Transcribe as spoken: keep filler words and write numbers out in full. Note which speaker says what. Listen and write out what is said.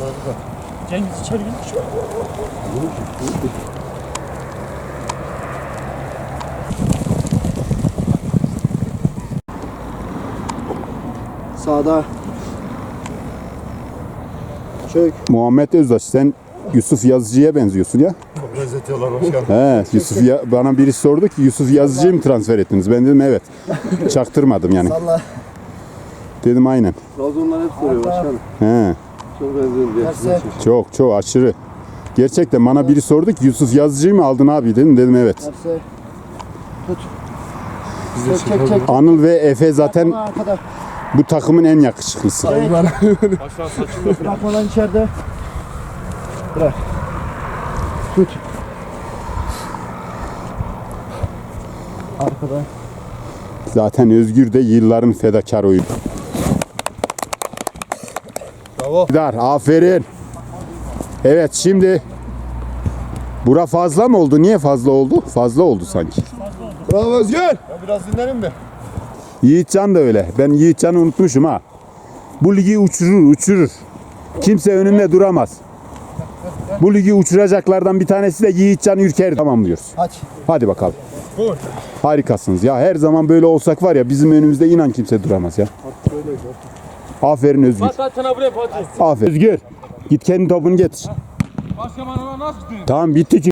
Speaker 1: Cengiz içeri git.
Speaker 2: Sağda. Çök.
Speaker 3: Muhammed Özdaş, sen Yusuf Yazıcı'ya benziyorsun ya.
Speaker 4: Çok benzetiyorlar başkanım.
Speaker 3: He, Yusuf ya, bana birisi sordu ki Yusuf Yazıcı'yı mı transfer ettiniz? Ben dedim evet. Çaktırmadım yani.
Speaker 2: Salla.
Speaker 3: Dedim aynen.
Speaker 4: Trabzonlar hep soruyor başkanım.
Speaker 3: He,
Speaker 4: Çok benziyorum diye.
Speaker 2: Terse.
Speaker 3: çok çok aşırı. Gerçekten bana biri sordu ki Yusuf Yazıcı'yı mı aldın abi dedim. Dedim evet.
Speaker 2: Terse. Tut. Çek çek çek.
Speaker 3: Anıl ve Efe zaten
Speaker 2: Bana arkada.
Speaker 3: bu takımın en yakışıklısı.
Speaker 1: Aşağı saçını
Speaker 2: Bırakma lan içeride. Bırak. Tut. Arkada.
Speaker 3: Zaten Özgür de yılların fedakar oyuncu.
Speaker 4: Bravo.
Speaker 3: Dar, aferin. Evet şimdi bura fazla mı oldu? Niye fazla oldu? Fazla oldu sanki.
Speaker 4: Bravo Özgür. Ya biraz dinlenin mi?
Speaker 3: Yiğitcan da öyle. Ben Yiğitcan'ı unutmuşum ha. Bu ligi uçurur, uçurur. Kimse önünde duramaz. Bu ligi uçuracaklardan bir tanesi de Yiğitcan Ürker. Tamam diyoruz.
Speaker 2: Aç.
Speaker 3: Hadi bakalım.
Speaker 4: Gol.
Speaker 3: Harikasınız ya. Her zaman böyle olsak var ya bizim önümüzde inan kimse duramaz ya. Aferin Özgür.
Speaker 1: Fatih sana buraya Fatih.
Speaker 3: Aferin. Özgür. Git kendi topunu getir.
Speaker 1: Başka bana nasıl gidiyor?
Speaker 3: Tamam bitti ki.